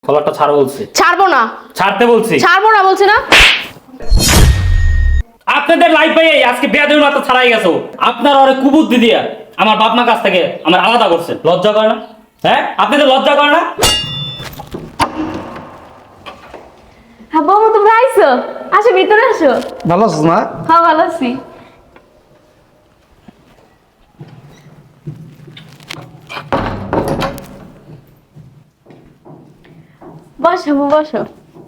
কলারটা ছাড়ো বলছি। ছাড়বো না। ছাড়তে বলছি। ছাড়বো না বলছি না। আপনাদের লাইফ পাইয়ে আজকে বেয়াদবির মাথা ছাড়াই গেছো। আপনার অনেক কুবুদ্ধি দিয়া আমার বাপ মা কাছ থেকে আমার আলাদা করছেন। লজ্জা করে না? হ্যাঁ, আপনাদের লজ্জা করে না? হ্যাঁ বৌমা, তোমরা আইছো? আসো ভিতরে আসো। ভালো আছিস না? হ্যাঁ ভালো আছি। বসো বসো।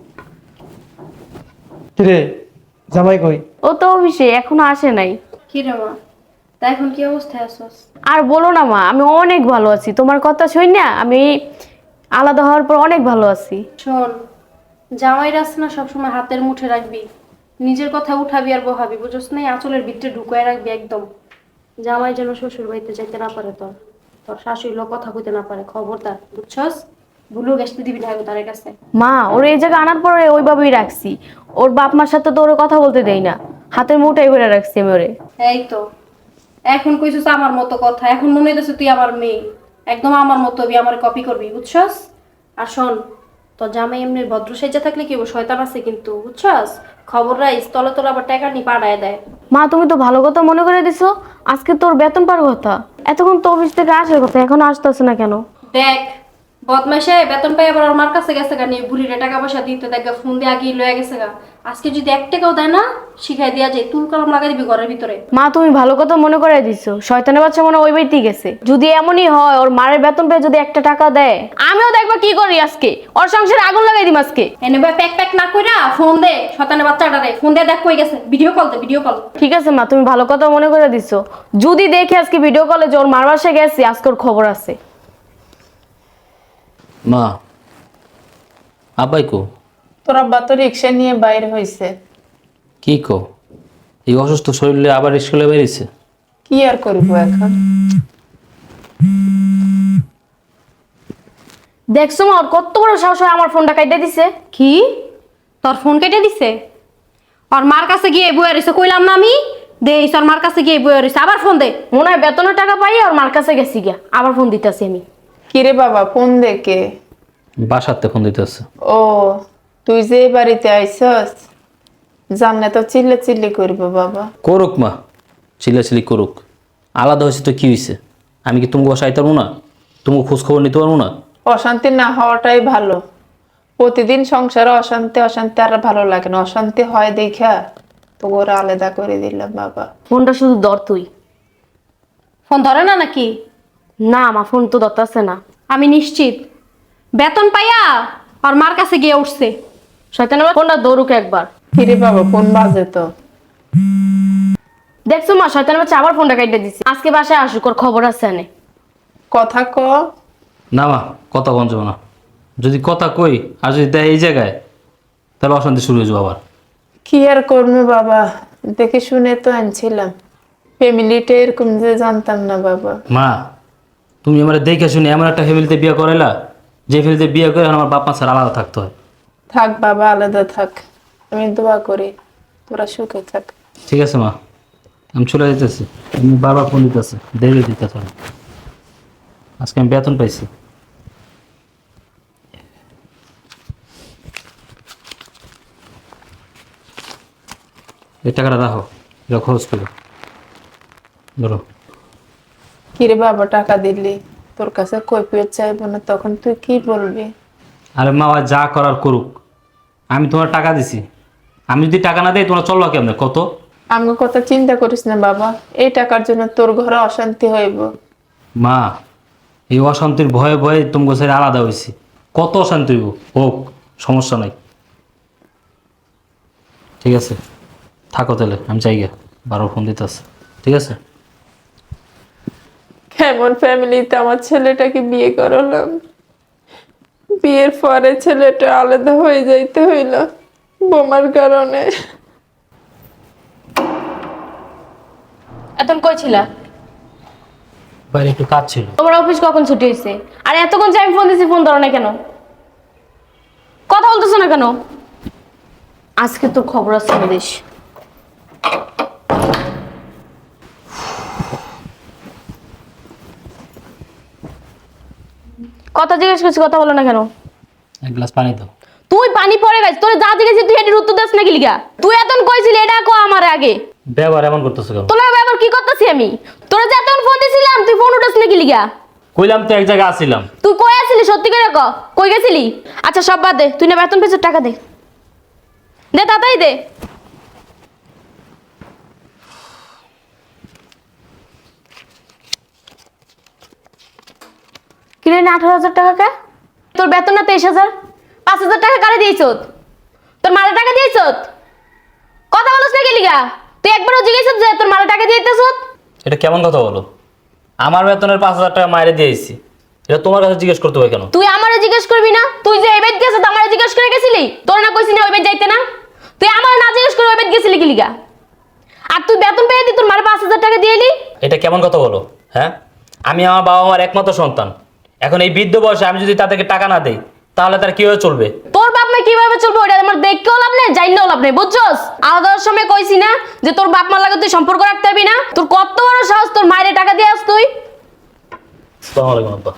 কিরে জামাই কই? ও তো অফিসে এখনো আসে নাই। কি রে মা, তা এখন কি অবস্থায় আছোস? আর বলো না মা, আমি অনেক ভালো আছি। তোমার কথা শুই না, আমি আলাদা হওয়ার পর অনেক ভালো আছি। শোন, জামাইরা আছে না সবসময় হাতের মুঠে রাখবি, নিজের কথা উঠাবি আর বহাবি, বুঝছ না? আঁচলের ভিতরে ঢুকায় রাখবি একদম। জামাই যেন শ্বশুর বাড়িতে যাইতে না পারে, তোর তোর শাশুড়ি লোক কথা কইতে না পারে, খবরদার, বুঝছস? ভুলু গেছতে দিবি না তার কাছে। মা, ওর এই জায়গায় আনার পরে ওইভাবেই রাখছি। ওর বাপ মার সাথে তো ওরে কথা বলতে দেই না, হাতের মুঠাই ভরে রাখছি আমি ওরে। এই তো এখন কইছিস আমার মতো কথা, এখন মনে হইতেছে তুই আমার মেয়ে, একদম আমার মতো হবি, আমার কপি করবি, বুঝছস? আর শোন, তোর জামাই এমনি ভদ্র সেজে থাকলে কি হবো, শয়তান আছে কিন্তু, বুঝছস? খবর রাইস, তলে তোর আবার টাকা নি পাঠায় দেয়। মা, তুমি তো ভালো কথা মনে করে দিছো। আজকে তোর বেতন পাওয়ার কথা, এতক্ষণ তো অফিস থেকে আসার কথা, এখন আসতেছে না কেন? দেখ, বদমাইশে বেতন পাই আবার ওর মার কাছে গেছে গা, নিয়ে বুড়িরে টাকা পয়সা দিতে দেখ, ফোন দিয়ে আগিয়ে লয়ে গেছে গা। আজকে যদি 1 টাকাও দেয় না, শিখাই দেওয়া যায়, তুল কলম লাগাই দিবি ঘরের ভিতরে। মা, তুমি ভালো কথা মনে করে দিছো। শয়তানের বাচ্চা মনে হয় ওই বাড়িতেই গেছে। যদি এমনই হয়, ওর মায়ের বেতন পেয়ে যদি 1 টাকা দেয়, আমিও দেখবা কি করি আজকে, ওর সংসারে আগুন লাগাই দিম আজকে। এনে ভাই প্যাক প্যাক না কইরা ফোন দে, শয়তানের বাচ্চাটারে ফোন দিয়ে দেখ কই গেছে, ভিডিও কল দে, ভিডিও কল। ঠিক আছে মা, তুমি ভালো কথা মনে করে দিছো। যদি দেখে আজকে ভিডিও কলে যে ওর মার বাসায় গেছে, আজকে ওর খবর আছে। মা, আব্বাই কো? তোর আব্বা তো রিক্সা নিয়ে বাইরে হয়েছে। কি কো? এই অসুস্থ শরীরে আবার স্কুলে বেরিয়েছে? কি আর করবো এখন? দেখছো মা, ওর কত বড় সাহস হয় আমার ফোনটা কাইটে দিছে। কি? তোর ফোন কেটে দিছে? ওর মার কাছে গিয়ে বইয়া রইছে, কইলাম না আমি? দে ওর মার কাছে গিয়ে বইয়া রইছে, আবার ফোন দে। মনে হয় বেতনের টাকা পাই ওর মার কাছে গেছি গিয়া, আবার ফোন দিতেছি আমি। কিরে বাবা, ফোন দেখে? বাসাতে ফোন দিতেছে। ও, তুই যে বাড়িতে আইসস, জানলে তো চিল্লে চিল্লি করবো বাবা। করুক মা, চিল্লাচিল্লি করুক। আলাদা হয়েছে তো কি হয়েছে? আমি কি তুমি বসাইতে পারবো না? তুমি খোঁজ খবর নিতে পারবো না? অশান্তি না হওয়াটাই ভালো। প্রতিদিন সংসারে অশান্তি অশান্তি আর ভালো লাগে না। অশান্তি হয় দেখা তো ওরা আলাদা করে দিলাম বাবা। ফোনটা শুধু ধর তুই। ফোন ধরে না নাকি? না, আমার ফোন তো ধরতেছে না। আমি নিশ্চিত বেতন পাইয়া আর মার কাছে গিয়ে উঠছে। শয়তানের বাচ্চা, ফোনটা ধরুক একবার। কিরে বাবা, ফোন বাজে তো। দেখছো মা, শয়তানের বাচ্চা আবার ফোনটা কাইটে দিছে। আজকে বাসায় আসুক, ওর খবর আছে আনে। কথা ক। না মা, কথা বঞ্চ না। যদি কথা কই আর যদি দেয় এই জায়গায়, তাহলে অশান্তি শুরু হয়ে যাবো আবার। কি আর করবো বাবা, দেখে শুনে তো আনছিলাম। ফ্যামিলিটা এরকম যে জানতাম না বাবা। মা, তুমি আমার দেখে শুনে এমন একটা ফ্যামিলিতে বিয়ে করাইলা, যে ফ্যামিলিতে বিয়ে করে আমার বাপ মা ছাড়া আলাদা থাকতে হয়। থাক বাবা, আলাদা থাক। আমি দোয়া করি তোরা সুখে থাক। ঠিক আছে মা, আমি চলে যেতেছি। আমি বারবার ফোন দিতেছে, দেরি দিতেছে। আজকে আমি বেতন পাইছি। এই টাকাটা রাখো, এটা খরচ করো। ধরো। কিরে বাবা, টাকা দিলি, তোর কাছে কৈফিয়ত চাইবো না, তখন তুই কি বলবি? আরে মা, ওই যা করার করুক। আমি তোমার টাকা দিছি, আমি যদি টাকা না দিই তোমরা চলবা কেমনে কত? আমার কথা চিন্তা করিস না বাবা, এই টাকার জন্য তোর ঘরে অশান্তি হইব। মা, এই অশান্তির ভয়ে ভয়ে তুমি ছেড়ে আলাদা হয়েছি। কত অশান্তি হইব হোক, সমস্যা নাই। ঠিক আছে, থাকো তাহলে, আমি চাই গে। বারো ফোন দিতেছে। ঠিক আছে। কেমন ফ্যামিলিতে আমার ছেলেটাকে বিয়ে করালাম, বিয়ের পরে ছেলেটা আলাদা হয়ে যাইতে হইল বোমার কারণে। এতক্ষণ কই ছিলা? বাইরে একটু কাজ ছিল। তোমার অফিস কখন ছুটি হয়েছে? আর এতক্ষণ যে আমি ফোন দিছি, ফোন ধরো না কেন? কথা বলতেছো না কেন? আজকে তোর খবর আছে দেশ। কথা জিজ্ঞেস করছি, কথা বলো না কেন? এক গ্লাস পানি দাও। তুই পানি পরে গেছিস, তোর যা জিজ্ঞেস তুই এটির উত্তর দিস নাকি লিগা? তুই এতন কইছিলি এটা কো আমার আগে। ব্যবহার এমন করতেছো কেন? তোর ব্যাপার কি করতেছি আমি? তোরা যে এতন ফোন দিছিলাম তুই ফোন উঠাস নাকি লিগা? কইলাম তো এক জায়গায় আসছিলাম। তুই কই আছিলি সত্যি করে ক? কই গেছিলি? আচ্ছা সব বাদ দে, তুই না বেতন পেছর টাকা দে। দে তাড়াতাড়ি দে। কিরে না 18,000 টাকা কে? তোর বেতন না 23,000? 5,000 টাকা কারে দিয়েছ? তোর মালে টাকা দিয়েছ? কথা বলছ না কি লিগা? তুই একবারও জিজ্ঞেস যে তোর মালে টাকা দিয়েছিস? এটা কেমন কথা বলো? আমার বেতনের 5,000 টাকা মাইরে দিয়েছি, এটা তোমার কাছে জিজ্ঞেস করতে হবে কেন? তুই আমারে জিজ্ঞেস করবি না? তুই যে এবেদ গেছিস আমারে জিজ্ঞেস করে গেছিলি? তোর না কইছিস না ওই বেদ যাইতে না? তুই আমার না জিজ্ঞেস করে ওই বেদ গেছিলি কি লিগা? আর তুই বেতন পেয়ে দি তোর মারে 5,000 টাকা দিয়ে এলি? এটা কেমন কথা বলো? হ্যাঁ, আমি আমার বাবা মার একমাত্র সন্তান। এখন এই বৃদ্ধ বয়সে আমি যদি তাদেরকে টাকা না দেই তাহলে তার কিভাবে চলবে? তোর বাপ মা কিভাবে চলবে ওটা আমার দেখতেও লাভ নেই, জানলেও লাভ নেই, বুঝছস? আলাদার সময় কইছি না যে তোর বাপ মার লাগে তুই সম্পর্ক রাখতে পারবি না? তোর কত বড় সাহস তোর মায়েরে টাকা দিয়ে আস তুই? আসসালামু আলাইকুম আব্বা।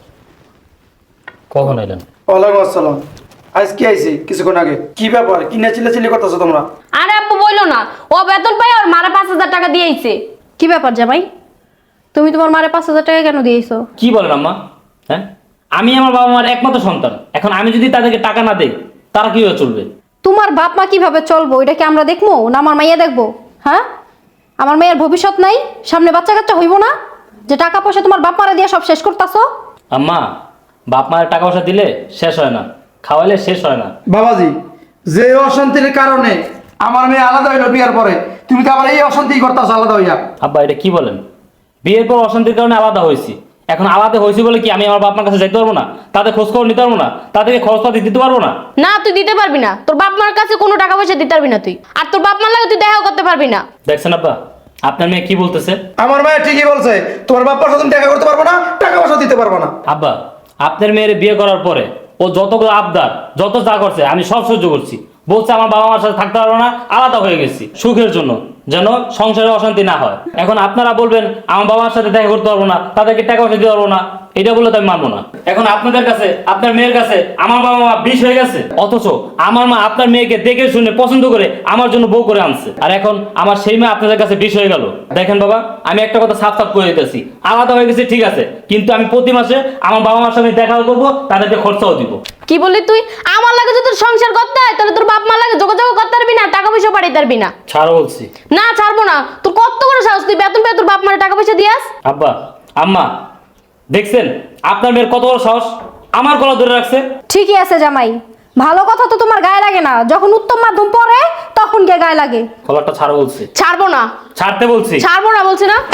কখন এলেন? ওয়ালাইকুম আসসালাম। আজ কি আইছি কিছুক্ষণ আগে? কি ব্যাপার? কি না চিল্লাচিল্লি করতেছো তোমরা? আরে আব্বু বইলো না, ও বেতন পাই ওর মারা 5,000 টাকা দিয়েছে। কি ব্যাপার জামাই, তুমি তোমার মারে 5,000 টাকা কেন দিয়েছো? কি বলেন আম্মা? হ্যাঁ, আমি আমার বাবা মার একমাত্র সন্তান। এখন আমি যদি তাদেরকে টাকা না দেই তারা কিভাবে চলবে? তোমার বাপ মা কিভাবে চলবো এটা কি আমরা দেখবো না আমার মাইয়া দেখবো? হ্যাঁ, আমার মেয়ের ভবিষ্যৎ নাই, সামনে বাচ্চা কাচ্চা হইব না যে টাকা পয়সা তোমার বাপ মারা দিয়ে সব শেষ করতাছো? আম্মা, বাপ মায়ের টাকা পয়সা দিলে শেষ হয় না, খাওয়াইলে শেষ হয় না। বাবাজি, যে অশান্তির কারণে আমার মেয়ে আলাদা হইলো বিয়ার পরে, তুমি তো আবার এই অশান্তি করতেছো আলাদা হইয়া। আব্বা, এটা কি বলেন? বিয়ের পর অশান্তির কারণে আলাদা হয়েছি। এখন আলাদা হয়েছি বলে কি আমি আমার বাপ মার কাছে যেতে পারবো না? তাদের খোঁজ খবর নিতে পারবো না? তাদেরকে খরচপাতি দিতে পারবো না? না তুই দিতে পারবি না, তোর বাপ মার কাছে কোনো টাকা পয়সা দিতে পারবি না তুই, আর তোর বাপ মার লাগে তুই দেখাও করতে পারবি না। দেখছেন আব্বা, আপনার মেয়ে কি বলতেছে? আমার মেয়ে ঠিকই বলছে, তোমার বাপ্পার সাথে তুমি দেখা করতে পারবো না, টাকা পয়সা দিতে পারবো না। আব্বা, আপনার মেয়ের বিয়ে করার পরে ও যতগুলো আবদার, যত যা করছে আমি সব সহ্য করছি। বলছে আমার বাবা মার সাথে থাকতে পারবো না, আলাদা হয়ে গেছি সুখের জন্য, যেন সংসারে অশান্তি না হয়। এখন আপনারা বলবেন আমার বাবার সাথে দেখা করতে পারবো না, তাদেরকে টাকা পয়সা দিতে পারবো না, এটা বলে তো আমি মানবো না। এখন আপনাদের কাছে, আপনার মেয়ের কাছে আমার বাবা মা বিষ হয়ে গেছে, অথচ আমার মা আপনার মেয়েকে দেখে শুনে পছন্দ করে আমার জন্য বউ করে আনছে, আর এখন আমার সেই মা আপনাদের কাছে বিষ হয়ে গেল। দেখেন বাবা, আমি একটা কথা সাফ সাফ করে দিতেছি, আলাদা হয়ে গেছে ঠিক আছে, কিন্তু আমি প্রতি মাসে আমার বাবা মার সঙ্গে দেখা করবো, তাদেরকে খরচাও দিব। কি বললি তুই? আমার লাগে যদি তোর সংসার করতে হয় তাহলে তোর বাপ মা লাগে যোগাযোগ করতে পারবি না, টাকা পয়সা পাঠাইতে পারবি না। ছাড়ো বলছি। না ছাড়বো না। তোর কত বড় সাহস, তুই বেতন পেয়ে তোর বাপ মারে টাকা পয়সা দিয়াস? আব্বা, আম্মা, দেখছেন আপনার মেয়ের কত বড় সাহস, আমার গলা ধরে রাখছে। ঠিকই আছে জামাই, ভালো কথা তো তোমার গায়ে লাগে না, যখন উত্তম মাধ্যম পড়ে তখন গিয়ে গায়ে লাগে। গলাটা ছাড়ো বলছি। ছাড়বো না, ছাড়তে বলছি। ছাড়বো না বলছি না।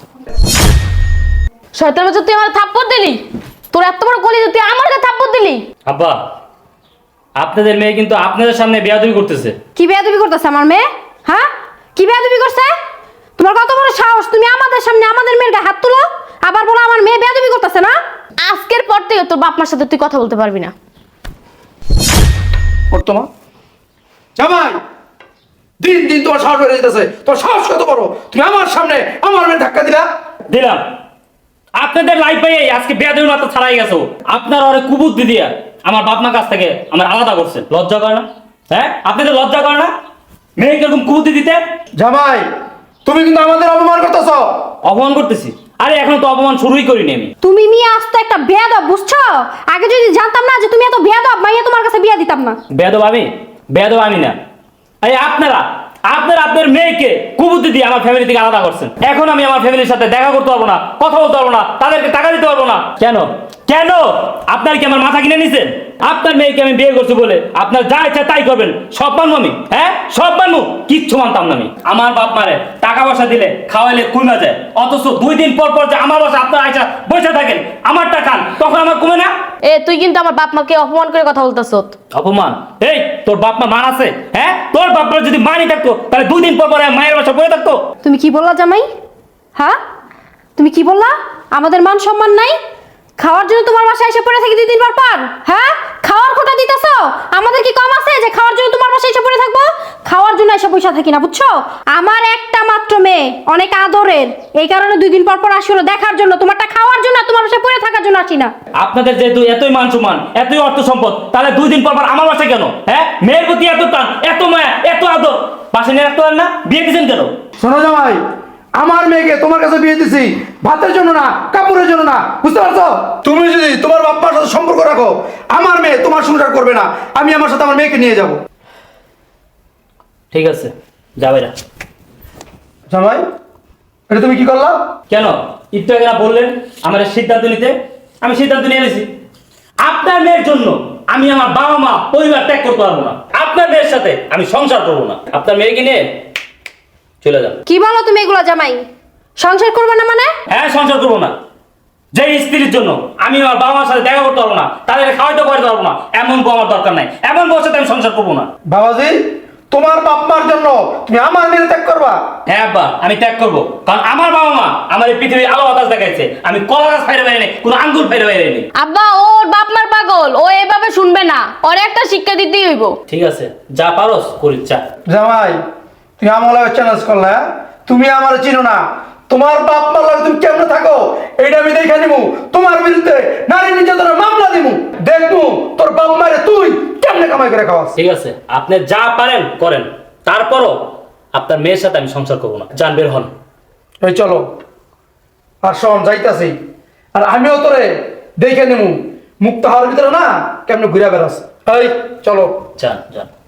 শয়তান বাচ্চা, তুই আমার থাপ্পড় দিলি, তোর এত বড় কলি তুই আমার কাছে থাপ্পড় দিলি। আব্বা, আপনাদের মেয়ে কিন্তু আপনাদের সামনে বেয়াদবি করতেছে। কি বেয়াদবি করতেছে আমার মেয়ে? হ্যাঁ, কি বেয়াদবি করছে? তোমার কত বড় সাহস, তুমি আমাদের সামনে আমাদের মেয়ের গায়ে হাত তুলো, আবার বলো আমার মেয়ে বেয়াদবি করতেছে না? আজকের পর থেকে তোর বাপ মার সাথে তুই কথা বলতে পারবি না। বর্তমান জামাই, দিন দিন তোমার সাহস বেড়ে যেতেছে। তোর সাহস কত বড়, তুমি আমার সামনে আমার মেয়ে ধাক্কা দিলা। দিলাম, আপনাদের লাইফ পাই আজকে বেয়াদবি মাত্র ছাড়াই গেছো। আপনারা অনেক কুবুদ্ধি দিয়া আমার বাপ মার কাছ থেকে আমার আলাদা করছেন। লজ্জা করে না? হ্যাঁ, আপনাদের লজ্জা করে না মেয়েকে এরকম কুবুদ্ধি দিতে? জামাই, তুমি কিন্তু আমাদের অপমান করতেছো। অপমান করতেছি? আরে এখন তো অপমান শুরুই করিনি আমি। তুমি মেয়ে আসতে একটা বেয়াদব, বুঝছো? আগে যদি জানতাম না যে তুমি এত বেয়াদব, মাইয়া তোমার কাছে বিয়া দিতাম না। বেয়াদব আমি? বেয়াদব আমি না। এই আপনারা আপনার মেয়েকে কুবুদ্ধি দিয়ে আমার ফ্যামিলি থেকে আলাদা করছেন। এখন আমি আমার ফ্যামিলির সাথে দেখা করতে পারবো না, কথা বলতে পারবো না, তাদেরকে টাকা দিতে পারবো না। কেন কেন? আপনার কি আমার মাথা কিনে নিছেন? আপনার মেয়েকে আমি বিয়ে করছি বলে আপনার যা ইচ্ছা তাই করবেন, সব মানবো আমি? হ্যাঁ, সব মানবো? কিচ্ছু মানতাম না আমি। আমার বাপ মারে টাকা পয়সা দিলে খাওয়াইলে কমে যায়, অথচ 2 দিন পর পর যে আমার বাসা আপনার আইসা বসে থাকেন, আমারটা খান, তখন আমার কমে না? এ তুই কিন্তু আমার বাপ মাকে অপমান করে কথা বলতেছ। অপমান? এই তোর বাপ মা মান আছে? হ্যাঁ, তোর বাপ মার যদি মানি থাকতো তাহলে 2 দিন পর পর মায়ের বাসা বসে থাকতো। তুমি কি বললা জামাই? হ্যাঁ, তুমি কি বললা? আমাদের মান সম্মান নাই? খাওয়ার জন্য তোমার বাসায় এসে পড়ে থাকি 2 দিন পর পর? হ্যাঁ, খাওয়ার খোটা দিতেছো? আমাদের কি কম আছে যে খাওয়ার জন্য তোমার বাসায় এসে পড়ে থাকবো? খাওয়ার জন্য এসে পয়সা থাকি না, বুঝছো? আমার একটা মাত্র মাত্র মেয়ে, অনেক আদরের, এই কারণে 2 দিন পর পর আসি হলো দেখার জন্য, তোমারটা খাওয়ার জন্য, তোমার বাসায় পড়ে থাকার জন্য আসি না। আপনাদের যেহেতু এতই মান সম্মান, এতই অর্থ সম্পদ, তাহলে 2 দিন পর পর আমার বাসায় কেন? হ্যাঁ, মেয়ের প্রতি এত টান, এত মায়া, এত আদর, বাসায় নিয়ে রাখতে পারেন না? বিয়ে দিচ্ছেন কেন? শোনো জামাই, আমার মেয়েকে তোমার কাছে বিয়ে দিছি ভাতের জন্য না, কাপড়ের জন্য না, বুঝতে পারছো? তুমি যদি তোমার বাপ্পার সাথে সম্পর্ক রাখো, আমার মেয়ে তোমার সংসার করবে না। আমি আমার সাথে আমার মেয়েকে নিয়ে যাব। ঠিক আছে, যাবে না। জামাই, এটা তুমি কি করলা? কেন? একটু আগে না বললেন আমার এই সিদ্ধান্ত নিতে? আমি সিদ্ধান্ত নিয়ে নিয়েছি। আপনার মেয়ের জন্য আমি আমার বাবা মা পরিবার ত্যাগ করতে পারবো না। আপনার মেয়ের সাথে আমি সংসার করবো না। আপনার মেয়েকে নিয়ে চলে যান। কি বলো তুমি এগুলো জামাই? সংসার করবে না মানে? হ্যাঁ, সংসার করবো না। যে স্ত্রীর জন্য আমি আমার বাবা মার সাথে দেখা করতে পারবো না, তাদেরকে খাওয়াইতে করতে পারবো না, এমন বউ আমার দরকার নাই। এমন বউর সাথে আমি সংসার করবো না। বাবাজি, তোমার বাপ্পার জন্য তুমি আমার মেয়ে ত্যাগ করবা? হ্যাঁ আব্বা, আমি ত্যাগ করবো। কারণ আমার বাবা মা আমার এই পৃথিবীর আলো বাতাস দেখাইছে। আমি কলা গাছ ফাইরে বাইরে নেই, কোনো আঙ্গুর ফাইরে বাইরে নেই। আব্বা, ওর বাপ মার পাগল, ও এভাবে শুনবে না, ওর একটা শিক্ষা দিতেই হইব। ঠিক আছে, যা পারস করিস যা। জামাই, তুমি আমার লাগে চ্যালেঞ্জ করলে, হ্যাঁ? তুমি আমার চিনো না, তোমার বাপ মার লাগে তুমি কেমনে থাকো এটা আমি দেখে নিবো। তোমার বিরুদ্ধে নারী নির্যাতনের মামলা দিবো, দেখবো তোর বাপ মারে তুই কেমনে কামাই করে খাওয়াস। ঠিক আছে, আপনি যা পারেন করেন, তারপরও আপনার মেয়ের সাথে আমি সংসার করবো না। যান, বের হন। এই চলো, আর শোন যাইতাছি, আর আমিও তোরে দেখে নিবো মুক্ত হওয়ার ভিতরে না কেমনে ঘুরে বেড়াস। এই চলো। যান যান।